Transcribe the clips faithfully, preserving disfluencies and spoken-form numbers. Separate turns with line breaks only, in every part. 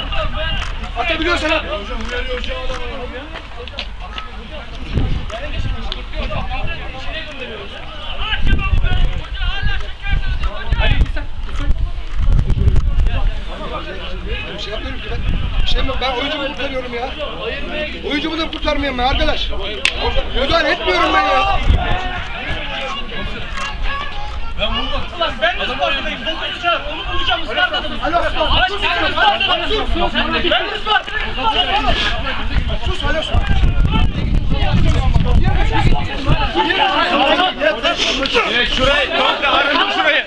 Atabiliyorsan at.
Hocam uyarıyor hocam adamı.
Bir şey yapmıyorum ki ben. Bir şey mi? Ben oyuncumu kurtarıyorum ya. Oyuncumu da kurtarmıyorum ben arkadaş. Müdahale etmiyorum ben ya.
Ulan ben de Sparta'dayım. Dokunacağım. Onu bulacağım. Isparta'dayım.
Alo Sparta.
Araç gelme. Isparta'dayım. Ben de Sparta'dayım.
Sus alo sus.
Şurayı komple arındır şurayı.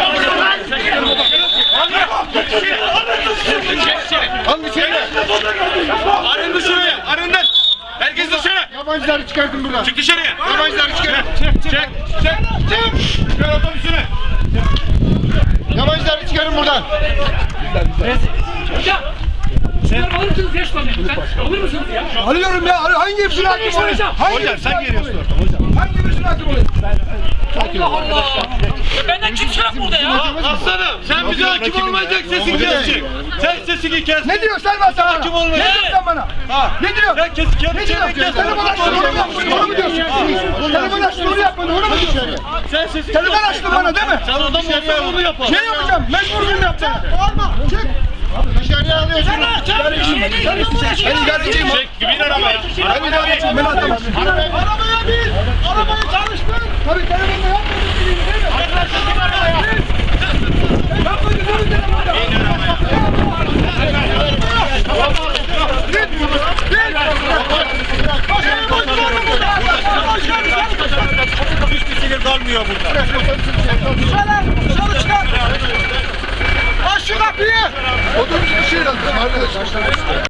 Al içeri.
Arındır şurayı. Arındır. Herkes dışarı.
Yabancıları çıkartın buradan.
Çık dışarıya.
Yabancıları çıkartın.
Çek, çek, çek, çek. Çıkar otobüsünü.
Yabancıları çıkarın buradan.
Hocam. Şunları alır mısınız ya şunları? Sen alır mısınız ya?
Alıyorum ya. Hangi birisine hakim oluyor? Hangi
Hocam sen geliyorsun orada hocam.
Hangi birisine hakim oluyor?
Allah Allah. Ya benden kimse yok burada ya.
Aslanım sen bize hakim olmayacak sesin kesecek. Sen sesini kes.
Ne diyor Selma sana?
Hakim olmayacak.
Ne diyorsun sen bana?
Ha.
Ne diyor?
Sen kes kendi
Ne
çevreni
diyor?
kes.
Telefon açtın onu mu yapmadın? Onu mu diyorsun? Telefon açtın onu yapmadın? Onu mu diyorsun?
Sen sesini
Telefon açtın bana değil mi?
Sen adam olsan onu yapar.
Ne yapacağım? Mecbur muyum yapacağım? Bağırma. Çık. Dışarıya alıyorsun. Ben idareciyim.
Çek bin arabaya.
Ben idareciyim. Beni atamazsın. Arabaya bin. Arabayı çalıştır. Tabii telefonla yapmadın değil mi? Arkadaşlar bin arabaya. Yapmadın değil mi telefonla? Bin arabaya.
Hiçbir sinir kalmıyor burada.
Dışarı. Dışarı çıkar. Aç şu kapıyı. Otobüs bir şey lazım arkadaşlar.